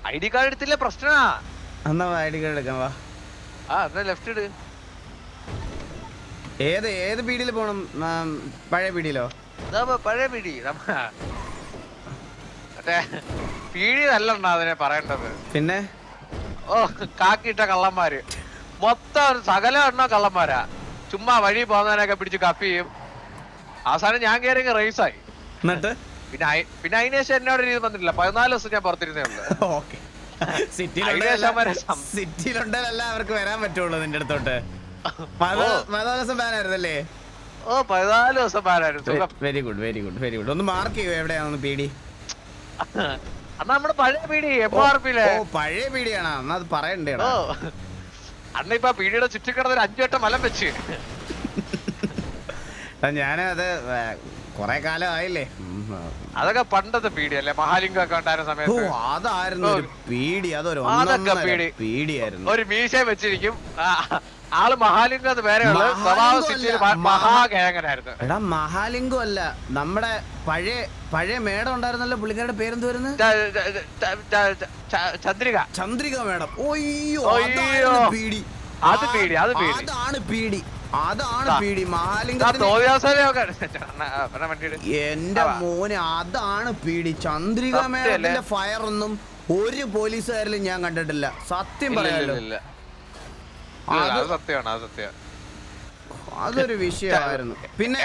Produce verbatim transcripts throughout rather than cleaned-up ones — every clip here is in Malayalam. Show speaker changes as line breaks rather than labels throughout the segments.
ഐ ഡി കാർഡ് എടുത്തില്ല പ്രശ്നമാ.
എന്നാ ഐ ഡി കാർഡ് എടുക്കാൻ വാ.
ആ എന്നാ ലെഫ്റ്റ് ഇട്.
ഏത് ഏത് പീടിയിൽ പോണം? പഴയ പീടിയിലോ?
പഴയ പീടി മറ്റേ പീടിയല്ല അതിനെ പറയേണ്ടത്.
പിന്നെ
ഓ കാക്കിയിട്ട കള്ളന്മാര് മൊത്തം സകല എണ്ണോ കള്ളന്മാരാ. ചുമ്മാ വഴി പോകുന്നതിനൊക്കെ പിടിച്ച് കപ്പി ചെയ്യും. അവസാനം ഞാൻ കയറി റേസായി.
എന്നിട്ട്
പിന്നെ പിന്നെ അതിന് ശേഷം എന്നോട് രീതി വന്നിട്ടില്ല. പതിനാല് ദിവസം ഞാൻ പുറത്തിരുന്നേ ഉള്ളു.
സിറ്റിയിലുണ്ടല്ല അവർക്ക് വരാൻ പറ്റുള്ളൂ നിന്റെ അടുത്തോട്ട്. പതിനാല് ദിവസം ബാനായിരുന്നല്ലേ?
ഓ പതിനാല് ദിവസം ബാനായിരുന്നു.
Very good very good very good. ഒന്ന് മാർക്ക് ചെയ്യോ എവിടെയാണെന്ന് പീടി?
അന്ന് നമ്മുടെ പഴയ പീടി എം ആർ പിയിലെ.
ഓ പഴയ പീടിയാണോ? എന്നാ അത് പറയണ്ടേ?
ഓ അന്ന് ഇപ്പൊ പീടിയുടെ ചുറ്റിക്കിടന്ന് ഒരു അഞ്ചു വട്ടം മലം വെച്ച്.
ഞാനത് കൊറേ കാലം ആയില്ലേ.
അതൊക്കെ പണ്ടത്തെ പീടിയല്ലേ? മഹാലിംഗം ഒക്കെ ഉണ്ടായിരുന്ന സമയത്ത്
അതായിരുന്നു പീടി. അതൊരു പീടിയായിരുന്നു.
ഒരു മീശ വെച്ചിരിക്കും ആള്. മഹാലിംഗം അത് വേറെ മഹാകേങ്ങനായിരുന്നു.
എടാ മഹാലിംഗം അല്ല, നമ്മുടെ പഴയ പഴയ മേഡം ഉണ്ടായിരുന്നല്ലോ. പുള്ളിക്കാരുടെ പേരെന്ത് വരുന്നു?
ചന്ദ്രിക.
ചന്ദ്രിക മേഡം. ഓയ്യോ പീടി.
അത് പീടി അത് പീടി
അതാണ് പീടി അതാണ് പീടി. മഹാലിംഗം എന്റെ മോനെ അതാണ് പീടി. ചന്ദ്രിക മേഡത്തിന്റെ ഫയർ ഒന്നും ഒരു പോലീസുകാരിലും ഞാൻ കണ്ടിട്ടില്ല. സത്യം പറയാലോ. അതൊരു വിഷയമായിരുന്നു. പിന്നെ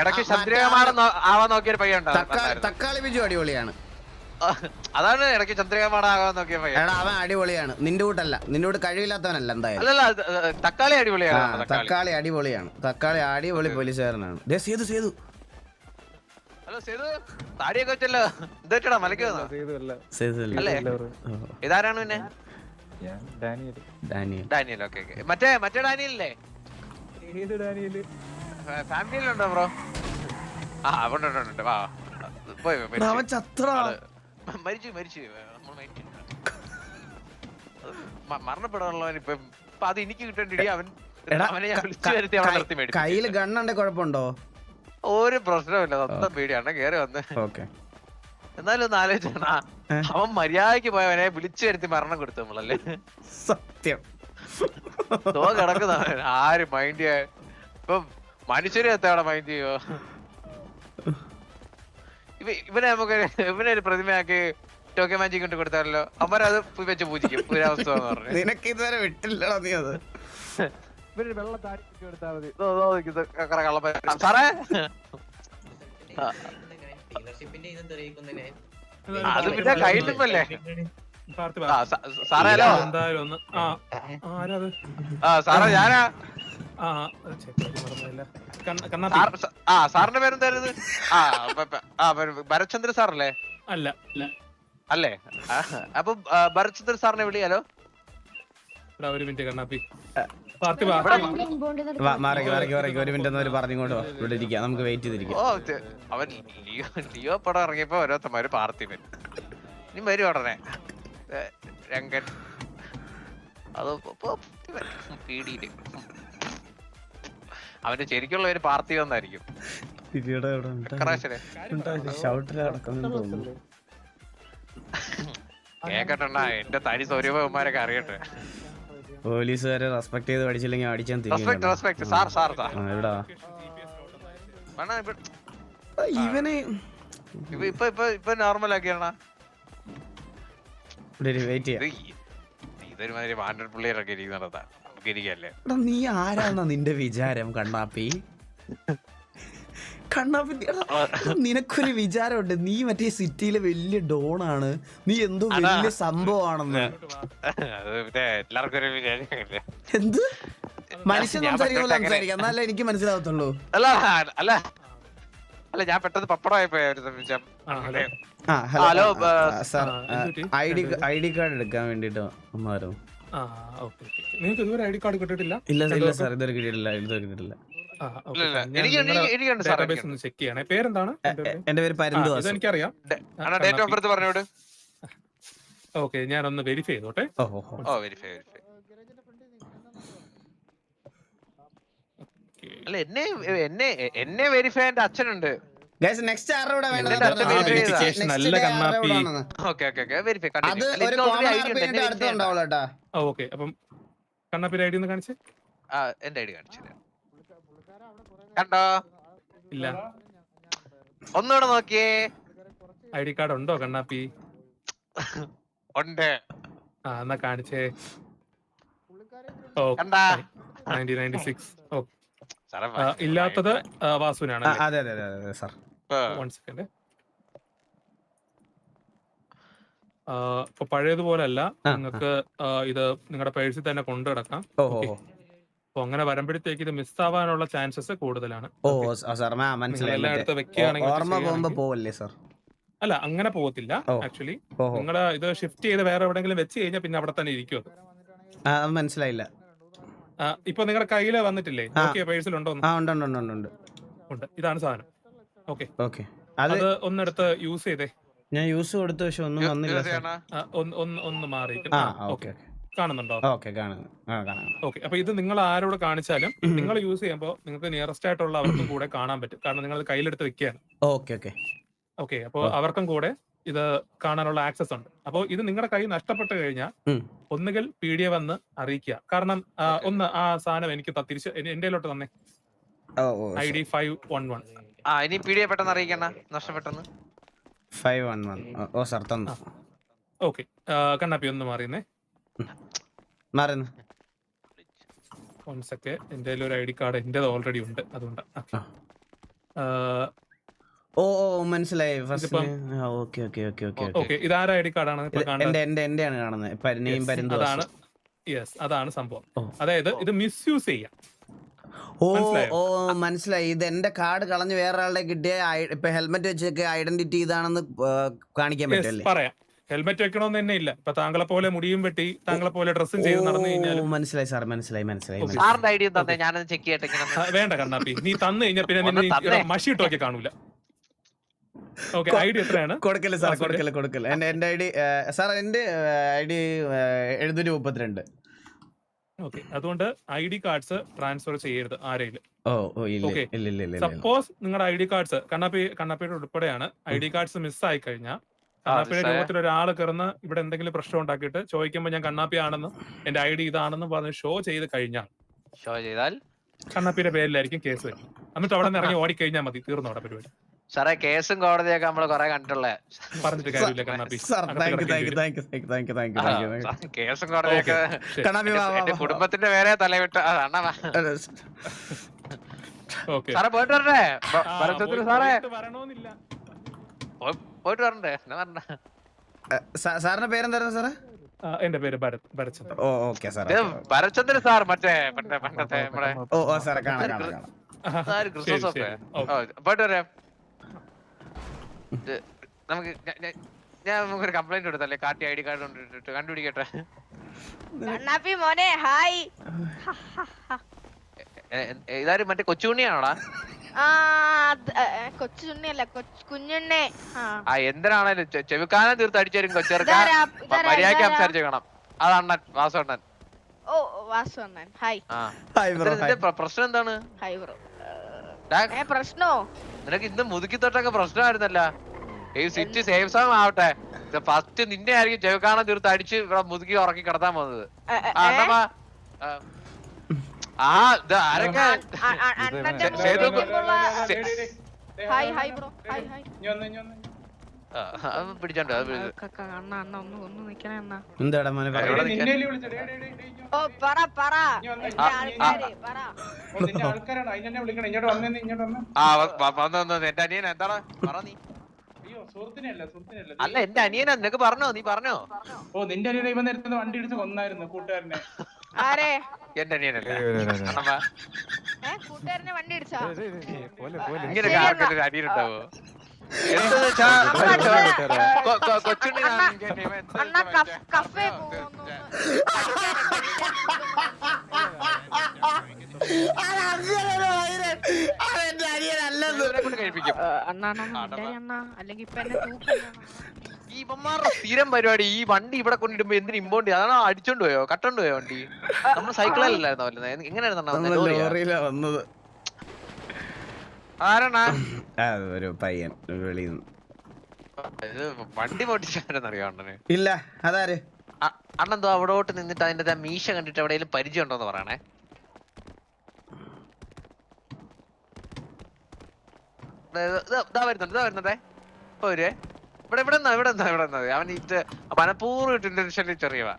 തക്കാളി ബിജു അടിപൊളിയാണ്.
അതാണ് ഇടയ്ക്ക് ചന്ദ്രികമാടാകാൻ നോക്കിയ
എടാ അവൻ അടിപൊളിയാണ്. നിന്റെ കൂട്ടല്ല, നിന്റെ കൂട്ട് കഴിവില്ലാത്തവനല്ല. എന്തായാലും
തക്കാളി അടിപൊളിയാണ്.
തക്കാളി അടിപൊളിയാണ്. തക്കാളി അടിപൊളി പോലീസുകാരനാണ്. സേതു സേതു
ഹലോ സേതു താടിയൊക്കെ വെച്ചല്ലോ. എന്താ മലക്ക് ഇതാരാണ്? പിന്നെ ഡാനിയൽ. Okay okay. മറ്റേ മറ്റേ ഡാനിയല്ലേ? ഫാമിലിയിലുണ്ടോ ബ്രോ? ആ ഉണ്ട് ഉണ്ട്. വാ പോയി മരിച്ചു മരിച്ചു മരണപ്പെടാനുള്ളവൻ ഇപ്പൊ അത് എനിക്ക് കിട്ടേണ്ടി. അവൻ അവനെ ഞാൻ വിളിച്ചു വരുത്തി അവിടെ നിർത്തി മേടിച്ചു.
കയ്യില് ഗണ്ണുണ്ടെ കുഴപ്പമുണ്ടോ?
ഒരു പ്രശ്നമില്ല. സ്വന്തം പേടിയാണ് കേറി വന്ന്. എന്നാലും ഒന്ന് ആലോചിച്ചാ അവൻ മര്യാദക്ക് പോയവനെ വിളിച്ചു വരുത്തി മരണം കൊടുത്തു നമ്മളല്ലേ?
സത്യം.
തോ കിടക്കുന്നവൻ ആര് മൈൻഡ് ചെയ്യാൻ? ഇപ്പൊ മനുഷ്യരെ എത്തവിടെ മൈൻഡ് ചെയ്യോ? ഇവനെ നമുക്ക് ഇവനെ ഒരു പ്രതിമയാക്കി ടോക്കൻ മാജിക് കൊണ്ട് കൊടുത്താലോ? അവരത് വെച്ച് പൂജിക്കും. പുരാവസ്ഥ പറഞ്ഞു
നിനക്ക് ഇതുവരെ വിട്ടില്ലടാ നീ. അത്
ഇവര് വെള്ള താടി കൊടുത്താൽ മതി. സാറേ അത് പിന്നെ കയ്യിലിപ്പല്ലേ സാറേ? ഹലോ ആ സാറേ ഞാനാ. ആ സാറിന്റെ പേരെന്തായിരുന്നു? ആ ഭരത്ചന്ദ്ര സാറല്ലേ?
അല്ല
അല്ലേ? അപ്പൊ ഭരത്ചന്ദ്ര സാറിനെ വിളിയാലോ?
ഒരു മിനിറ്റ് കണ്ണാപ്പി.
ഒരു മിനിറ്റ് പറഞ്ഞുകൊണ്ട് ഇവിടെ ഇരിക്കാം. നമുക്ക് വെയിറ്റ് ചെയ്തിരിക്കാം.
ഓ അവൻ ലിയോ ലിയോ പടം ഇറങ്ങിയപ്പോ ഓരോരുത്തന്മാര് പാർത്ഥിവൻ ഇനി വരും ഉടനെ. രംഗൻ അത് പീടിയില് അവന്റെ ശരിക്കുള്ള ഒരു പാർത്ഥിവ എന്നായിരിക്കും. കേക്കട്ടെണ്ണ എന്റെ തനി സ്വരൂപന്മാരൊക്കെ അറിയട്ടെ.
പോലീസുകാരെ റെസ്പെക്ട് ചെയ്ത് പഠിച്ചില്ലെങ്കിൽ അടിച്ചാൻ ഇവനെ
ഇപ്പൊ ഇപ്പൊ ഇപ്പൊ നോർമൽ ആക്കിയാണ്. ഇതൊരുമാതിരി വാണ്ടഡ് പിള്ളേരൊക്കെ ഇരിക്കുന്നതാ. നമുക്ക് ഇരിക്കല്ലേ?
നീ ആരാന്നാ നിന്റെ വിചാരം കണ്ണാപ്പി? കണ്ണാപ്പി നിനക്കൊരു വിചാരമുണ്ട്. നീ മറ്റേ സിറ്റിയിലെ വലിയ ഡോൺ ആണ്. നീ എന്തോ വലിയ സംഭവമാണെന്ന്. എന്ത് മനുഷ്യൻ സംസാരിക്കുമ്പോൾ സംസാരിക്കാം. എന്നാലേ എനിക്ക് മനസ്സിലാവത്തുള്ളൂ.
അല്ല അല്ല അല്ല ഞാൻ പെട്ടെന്ന് പപ്പടമായിപ്പോയ ഒരു നിമിഷം.
Hello sir, I D I D card എടുക്കാൻ വേണ്ടിട്ട് വന്നായിരുന്നു. ഇല്ല ഇല്ല സാർ, ഇതുവരെ കിട്ടിയിട്ടില്ല. ഇതുവരെ കിട്ടിയിട്ടില്ല.
പേരെന്താണ്?
എന്റെ പേര് പരന്തു.
എനിക്കറിയാം.
ഡേറ്റ് ഓഫ് ബർത്ത് പറഞ്ഞോട്.
ഓക്കെ ഞാനൊന്ന് വെരിഫൈ ചെയ്തോട്ടെ.
അല്ല എന്നെ എന്നെ എന്നെ വെരിഫൈ എന്റെ അച്ഛനുണ്ട്.
ഗൈസ് നെക്സ്റ്റ് ആരുടെ കൂടെ വേണ്ടത്
ഇതിന്റെ അടുത്ത്
പറഞ്ഞാ മതി.
verify ചെയ്താ.
Next
നല്ല
day ആരുടെ
കണ്ണാപ്പി.
കൂടെ ആണെന്ന്.
ഓക്കെ ഓക്കെ ഓക്കെ വെരിഫൈ
അത് ഒരു കോമൺ ആർ പി കഴിഞ്ഞിട്ട് അടുത്തുണ്ടാവുള്ളൂ കേട്ടാ.
ഓക്കെ അപ്പം കണ്ണാപ്പിയുടെ ഐ ഡി ഒന്ന് കാണിച്ച്.
ആ എന്റെ ഐഡി കാണിച്ചു കണ്ടോ
ഇല്ല,
ഒന്നുകൂടെ നോക്കിയേ
ഐ ഡി കാർഡ് ഉണ്ടോ കണ്ണാപ്പി?
ഉണ്ട്
ആ എന്നാ കാണിച്ചേ. ഓ
കണ്ടാ
നയൻറ്റീൻ നയൻറ്റി സിക്സ്. ഓ
സാറേ
ഇല്ലാത്തത് ആ, വാസുവിനാണ്.
ആ, അതെ അതെ അതെ അതെ സാർ.
One second. ഇപ്പൊ പഴയതുപോലെ അല്ല,
ആ,
നിങ്ങൾക്ക് ഇത് നിങ്ങളുടെ പേഴ്സിൽ തന്നെ കൊണ്ടു കിടക്കാം.
ഓ ഓ ഓ.
അപ്പൊ അങ്ങനെ വരുമ്പോഴത്തേക്ക് ഇത് മിസ് ആവാനുള്ള ചാൻസസ് കൂടുതലാണ്.
ഓ
Okay.
ആ, സാർ ആ, മനസ്സിലായി.
എല്ലാം
മറ്റേ
എടുത്ത് വെക്കുകയാണെങ്കിൽ
ഓർമ്മ പോകുമ്പോ
ചെയ്യുകയാണെങ്കിൽ-
പോവല്ലേ സാർ?
അല്ല അങ്ങനെ പോകത്തില്ല.
ഓ.
ആക്ച്വലി
ഓഹോ,
നിങ്ങൾ ഇത് ഷിഫ്റ്റ് ചെയ്ത് വേറെ എവിടെയെങ്കിലും വെച്ച് കഴിഞ്ഞാൽ പിന്നെ അവിടെ തന്നെ ഇരിക്കും.
ആ, അത് മനസ്സിലായില്ല.
ഇപ്പൊ നിങ്ങളുടെ കയ്യില് വന്നിട്ടില്ലേ?
ആ.
ഓക്കെ, പേഴ്സിലുണ്ടോ?
ആ, ഉണ്ട് ഉണ്ട് ഉണ്ട് ഉണ്ട് ഉണ്ട്.
ഉണ്ട്. ഇതാണ് സാധനം. Okay,
okay. അത്
അത് ഒന്നെടുത്ത് യൂസ് ചെയ്തേ.
ഞാൻ യൂസ് കൊടുത്തു, പക്ഷെ ഒന്നും വന്നില്ല സാർ.
ആ, ഒന്ന് ഒന്ന് ഒന്ന് മാറി.
ആ,
ഓക്കെ,
ഓക്കെ
കാണുന്നുണ്ടോ?
ഓക്കെ, കാണുന്നു. ആ, കാണാം.
ഓക്കെ, അപ്പൊ ഇത് നിങ്ങൾ ആരോട് കാണിച്ചാലും നിങ്ങൾ യൂസ് ചെയ്യുമ്പോൾ നിങ്ങൾക്ക് നിയറസ്റ്റ് ആയിട്ടുള്ള അവർക്കും കൂടെ കാണാൻ പറ്റും. കാരണം നിങ്ങൾ കയ്യിലെടുത്ത് വെക്കുകയാണ്.
ഓക്കെ ഓക്കെ
ഓക്കെ, അപ്പോൾ അവർക്കും കൂടെ ഇത് കാണാനുള്ള ആക്സസ് ഉണ്ട്. അപ്പോൾ ഇത് നിങ്ങളുടെ കൈ നഷ്ടപ്പെട്ട് കഴിഞ്ഞാൽ
ഉം.
ഒന്നുകിൽ പി ഡി എ വന്ന് അറിയിക്കുക. കാരണം ആ, ഒന്ന് ആ സാധനം എനിക്ക് ത- തിരിച്ച് എന്റെ എന്റെയിലോട്ട് തന്നെ
ഓ ഓ
I D five one one.
ആ ഇനി പി ഡി എ പെട്ടെന്ന് അറിയിക്കണ്ട നഷ്ടപ്പെട്ടെന്ന്
ഫൈവ് വൺ വൺ. ഓ സാർ തന്നു.
ഓക്കെ, കണ്ണാപ്പി ഒന്ന് മാറിയുന്നേ.
മാറുന്നു.
വൺ സെക്കൻഡ്, എന്റെ ഒരു ഐ ഡി കാർഡ് എന്റേത് ഓൾറെഡി ഉണ്ട്, അതുകൊണ്ട്
ആ. ഓ ഓ മനസ്സിലായി. First okay okay okay okay
okay, ഇതാര ഐ ഡി കാർഡാണ് ഇപ്പൊ കാണുന്നത്?
എന്റെ എന്റെ എന്റെയാണ് കാണുന്നത്. പരിനെയും
Yes,
പരുന്തു.
അതാണ്. യെസ്, അതാണ് സംഭവം.
ഓ.
അതായത് ഇത് മിസ്യൂസ് ചെയ്യാം.
ഓ
മനസ്സിലായോ?
ഓ മനസ്സിലായി. ഇത് എന്റെ കാർഡ് കളഞ്ഞ് വേറെ ആളുടെ കിട്ടിയ ഐ- ഇപ്പൊ ഹെൽമെറ്റ് വെച്ചൊക്കെ ഐഡന്റിറ്റി ഇതാണെന്ന് ആ, കാണിക്കാൻ
Yes,
പറ്റല്ലേ?
പറയാം. ഹെൽമെറ്റ് വെക്കണമെന്ന് തന്നെ ഇല്ല. ഇപ്പൊ താങ്കളെ പോലെ മുടിയും വെട്ടി താങ്കളെ പോലെ ഡ്രസ്സും ചെയ്ത് നടന്നു കഴിഞ്ഞാൽ
ഓ, മനസ്സിലായി സാർ, മനസ്സിലായി മനസ്സിലായി
Okay.
മനസ്സിലായി.
സാറിന്റെ ഐഡിയ തന്നെ ഞാനത് ചെക്ക് ചെയ്യട്ടെ ഇങ്ങനെ
വേണ്ട കണ്ണാപ്പി, നീ തന്നു കഴിഞ്ഞാൽ പിന്നെ
ഒന്ന്
നിന്നെ
തന്നേ.
ഈ മഷി ഇട്ടൊക്കെ കാണൂല. ഓക്കെ, ഐ ഡി എത്രയാണ്?
കൊടുക്കല് സാർ,
വാസുവിന്റെ?
കൊടുക്കല് കൊടുക്കല്. എന്റെ എന്റെ ഐ ഡി സാർ, എന്റെ ഐ ഡി എഴുന്നൂറ്റി മുപ്പത്തിരണ്ട്.
ഓക്കെ, അതുകൊണ്ട് ഐ ഡി കാർഡ്സ് ട്രാൻസ്ഫർ ചെയ്യരുത് ആരെയും.
ഓ ഓ ഇല്ല
Okay.
ഇല്ല ഇല്ല ഇല്ല ഇല്ല.
സപ്പോസ് നിങ്ങളുടെ ഐ ഡി കാർഡ്സ് കണ്ണാപ്പി കണ്ണാപ്പിയുടെ ഉൾപ്പെടെയാണ് ഐ ഡി കാർഡ്സ് മിസ് ആയി കഴിഞ്ഞാൽ കണ്ണാപ്പിയുടെ
മിസ്സായ?
രൂപത്തിൽ ഒരാൾ കിടന്ന് ഇവിടെ എന്തെങ്കിലും പ്രശ്നം ഉണ്ടാക്കിയിട്ട് ചോദിക്കുമ്പോൾ ഞാൻ കണ്ണാപ്പി ആണെന്നും എന്റെ ഐ ഡി ഇതാണെന്നും പറഞ്ഞ് ഷോ ചെയ്ത് കഴിഞ്ഞാൽ
ഷോ ചെയ്താൽ
കണ്ണാപ്പിയുടെ പേരിലായിരിക്കും കേസ് വരും. എന്നിട്ട് അവിടെ നിന്ന് ഇറങ്ങി ഓടിക്കഴിഞ്ഞാൽ മതി, തീർന്നു അവിടെ പരിപാടി.
സാറേ കേസും കോടതിയൊക്കെ നമ്മള് കൊറേ കണ്ടിട്ടുള്ളേ
പറഞ്ഞിട്ട് കാര്യമില്ല കണ്ണാപ്പി.
സാർ
അകത്ത്
താങ്ക് യു
കിടക്കേണ്ടി
താങ്ക് യു
വരും.
Thank you thank you thank you thank you.
കേസും കോടതിയൊക്കെ
ശരി.
കണ്ണാപ്പി വാ, വാ,
എന്റെ
വാ.
കുടുംബത്തിന്റെ പേരെ തലവിട്ട് അതാണ്
ഓക്കെ.
സാറേ പോയിട്ട് വരണ്ടേ ബ-
ആ,
ഭരതത്തിന്
പോയി-
സാറേ
പോയിട്ട് വരണമെന്നില്ല.
പോയി- പോയിട്ട് വരണ്ടേ എന്നാ പറഞ്ഞ
സാ- സാറിന്റെ പേരെന്തായിരുന്നു സാറേ?
ആ, എന്റെ പേര് ഭരത് ഭരത്.
ഓ ഓക്കെ സാർ.
ഇത് ഭരചന്ദ്രൻ സാർ മറ്റേ പണ്ടേ പണ്ടത്തെ നമ്മുടെ
ഓ ഓ സാറേ കാണാം കാണാം കാണാം.
സാര് ക്രിസ്മസ്
ശരി,
ഒക്കെ
ശരി. ഓക്കെ.
ഓ, പോയിട്ട് വരാം ഇത് നമുക്ക് ഞ- ഞ- ഞാൻ നമുക്കൊരു കംപ്ലൈന്റ് കൊടുത്തല്ലേ കാട്ടി ഐ ഡി കാർഡ് കൊണ്ടിട്ട് കണ്ടുപിടിക്കട്ടെ
കണ്ണാപ്പി മോനെ ഹായ്.
എ- എ- ഇതാരും മറ്റേ കൊച്ചുണ്ണിയാണോടാ
ആ അത്, ഏ, കൊച്ചു ചുണ്ണിയല്ല കൊച്ചു കുഞ്ഞുണ്ണേ. ആ.
ആ എന്തിനാണേലും ചെ- ചെവിക്കാനം തീർത്ത് അടിച്ചേരും കൊച്ചേർക്ക
ഇതാരാ, ഇതാരാ,
മര്യാദക്ക്
ഇതാരാ?
സംസാരിച്ചേക്കണം അത് അണ്ണൻ വാസണ്ണൻ
ഓ വാസു അണ്ണൻ ഹായ്.
ആ
ഹായ് ബ്രോ.
ഇതിന്റെ പ്ര- പ്രശ്നം എന്താണ്
ഹായ് ബ്രോ.
ഡാ,
ഏ പ്രശ്നോ?
നിനക്ക് ഇന്ന് മുതുക്കി തൊട്ടൊക്കെ പ്രശ്നമായിരുന്നല്ല ഈ സിറ്റി സേഫ് സോങ് ആവട്ടെ ഫസ്റ്റ് നിന്നെ ആയിരിക്കും ചെവിക്കാനം തീർത്ത് അടിച്ച് ഇവിടെ മുതുക്കി ഉറക്കി കിടത്താൻ പോകുന്നത്
ഏ, ഏ,
ആ
ഏ?
അണ്ണാ ആ. ആ ഇത് ആരൊക്കെ
അ- അ- അ- അണ്ണന്റെ
സേ- സേതു
മുമ്പിൽ മുമ്പുള്ള,
സേ-
hi hi bro hi hi.
ആ, അത് പിടിച്ചോണ്ട് അത് പിടി-
ക- ക- അണ്ണ അണ്ണ ഒന്ന് ഒന്ന് നിക്കണേ അണ്ണ.
എന്താടാ മോനെ
എവിടെ
പറയാ?
നിൽക്കാൻ?
ഓ പറ പറ എന്റെ
ആ,
ആൾക്കാര് പറ.
ആൾക്കാരാണ് അതിനെ വിളിക്കണം. ഇങ്ങോട്ട് വന്നേ, ഇങ്ങോട്ട് വന്നേ.
ആ വ- വ- വന്ന് വന്ന് എന്റെ അനിയൻ എന്താണ് പറ നീ
അയ്യോ സുഹൃത്തിനെയല്ല, സുഹൃത്തിനെയല്ല.
അല്ല എന്റെ അനിയനാ നിനക്ക് പറഞ്ഞോ നീ പറഞ്ഞോ
ഓ നിന്റെ അനിയനെ ഇവൻ നേരത്തെ വണ്ടി ഇടിച്ച് കൊന്നായിരുന്നു കൂട്ടുകാരനെ.
ആരെ?
എന്റെ അനിയനല്ലേ അണ്ണമ്മ,
ഏ കൂട്ടുകാരനെ വണ്ടി ഇടിച്ചാ?
ഇങ്ങനെ
ശരി
ആർക്കൊരു
അണ്ണാ.
അനിയനുണ്ടാവോ എന്തെന്ന് വെച്ചാ കൊ- കൊ- കൊച്ചുണ്ണി
അണ്ണാ,
ഞാൻ ഇങ്ങനെ ഇവൻ എന്താ
അണ്ണ
ഇവൻ
കഫ്-
മറ്റേ-
കഫേ പോകുന്നു.
അത് അങ്ങനെ ഒരു വൈരൻ. അത് എന്റെ അനിയനല്ലെന്ന്.
ഇവനെ കൊണ്ട് കഴിപ്പിക്കും
അണ്ണ അണ്ണ മിണ്ടായി അണ്ണ അല്ലെങ്കിൽ ഇപ്പൊ എന്നെ തൂക്കില്ല.
ഈ ഇവന്മാരുടെ സ്ഥിരം പരിപാടി ഈ വണ്ടി ഇവിടെ കൊണ്ടിടുമ്പോ എന്തിനു ഇമ്പോണ്ട് അതാണോ അടിച്ചോണ്ട് പോയോ കട്ടോണ്ട് പോയോ വണ്ടി നമ്മൾ സൈക്കിളിലല്ലായിരുന്നോ വരുന്നത് എങ്ങനെയായിരുന്നു
നമ്മള് ലോറിയിലാ വന്നത്.
ആരാണ്
ആ, ഒരു പയ്യൻ വെളിയിൽ നിന്ന്.
ഇത് വണ്ടി പൊട്ടിച്ചാരെന്നറിയോ അണ്ണന്?
ഇല്ല അതാര്?
അ- അണ്ണെന്തോ അവിടോട്ട് നിന്നിട്ട് അതിന്റെ ആ മീശ കണ്ടിട്ട് എവിടെയെങ്കിലും പരിചയം ഉണ്ടോന്ന് പറയണേ. ദേ, ദേ, ദാ വരുന്നുണ്ട് ഇതാ വരുന്നുണ്ടേ ഒരു ഇവിടെ ഇവിടെ നിന്നാ ഇവിടെ നിന്നാ ഇവിടെ നിന്നത് അവൻ ഇത് മനഃപൂർവ്വം ഇന്റൻഷനിൽ ചെറിയവ.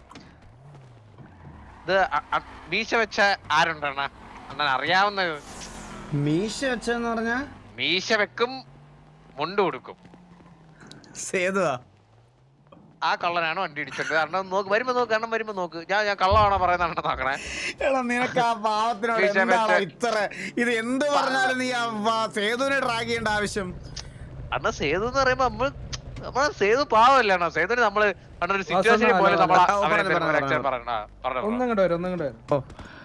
ഇത് അ- അ- മീശ വെച്ച ആരുണ്ടണ്ണ അണ്ണൻ അറിയാവുന്ന?
മീശ വെച്ചെന്ന് പറഞ്ഞാ
മീശ വെക്കും മുണ്ട് കൊടുക്കും
സേതുവാ?
ആ കള്ളനാണ് വണ്ടി ഇടിച്ചത്. കാരണം നോക്ക് വരുമ്പോ നോക്ക് കാരണം വരുമ്പോ നോക്ക് ഞാൻ ഞാൻ കള്ളമാണോ പറയുന്ന നോക്കണേ.
എടാ നിനക്ക് ആ പാവത്തിനോട്
മീശ
എന്താണോ
വെച്ച-
ഇത്ര ഇത് എന്ത് പറഞ്ഞാലും നീ ആ വ- സേതുവിനെ ട്രാക്ക് ചെയ്യേണ്ട ആവശ്യം?
അണ്ണ സേതു എന്ന് പറയുമ്പോ നമ്മള് നമ്മളെ സേതു പാവല്ലേ അണ്ണാ. സേതുവിന് നമ്മള് അണ്ണ ഒരു സിറ്റുവേഷനിൽ പോലെ നമ്മളെ
ആ,
അവനെ
പറഞ്ഞോ, പറഞ്ഞോ,
രക്ഷ- പറഞ്ഞ പറഞ്ഞോ
ഒന്നും കൂടെ വരും ഒന്നും കൂടെ വരും
ഓ